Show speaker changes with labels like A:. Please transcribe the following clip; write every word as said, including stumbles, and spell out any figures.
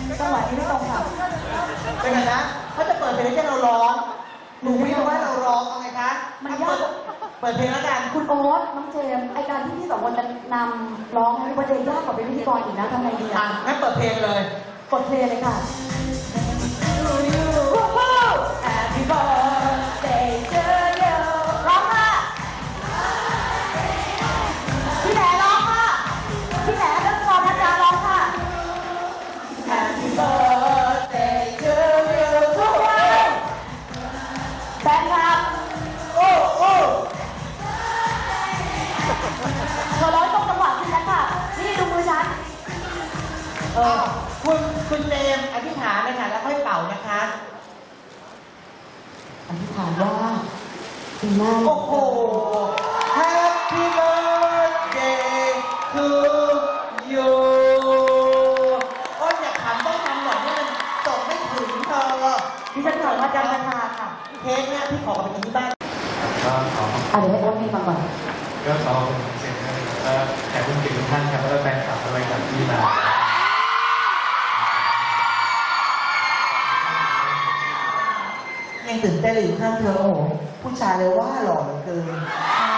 A: จังหวะนี้ไม่ตรงค่ะ
B: เป็นไงนะเขาจะเปิดเพลงให้เราร้องหนูไม่รู้ว่าเราร้องเอาไงคะมันยากเปิดเพลงแล้วกัน
A: คุณโอ๊ตน้องเจมไอการที่พี่สองคนจะนำร้องให้ประเด็นยากกว่าเป็นพิธีกรอีกนะทำไงดีอ่ะ
B: งั้นเปิดเพลงเลย
A: กดเพลงเลยค่ะ Happy birthday to you ร้องค่ะพี่แหนร้องค่ะพี่แหนเรื่องกรพัชราร้องค่ะ Happy birthday to you ทุกคนแฟนคลับโอ้โอ้เธอร้องตรงจังหวะขึ้นแล้วค่ะนี่ดูมือฉัน
B: เออคุณคุณเจมอธิษฐานเลยค่ะแล้วค่อยเป่านะคะ
A: อธิษฐานว่าปีหน้า
B: โอ้โห Happy birthday to you อ้นอยากถามต้องทำหน่อยให้มันส่งไม่ถึงเธอ
A: ดิฉันถามว่าจะราคาค่ะ
B: เค้กเนี่ยพี่ขอกลับไปกินที่บ้าน
C: ก็ขอ
A: อ่ะเดี๋ยวให้โอ๊ตให้มาก่อน
C: ก็ขอเป็นเสียงให้แล้วแขกผู้เกียรติทุกท่านครับแล้วก็แฟนคลับอะไรกับที่มา
B: ยังตื่นเต้นอยู่ข้างเธอโอ้โหผู้ชายเลยว่าหล่อเหลือเกิน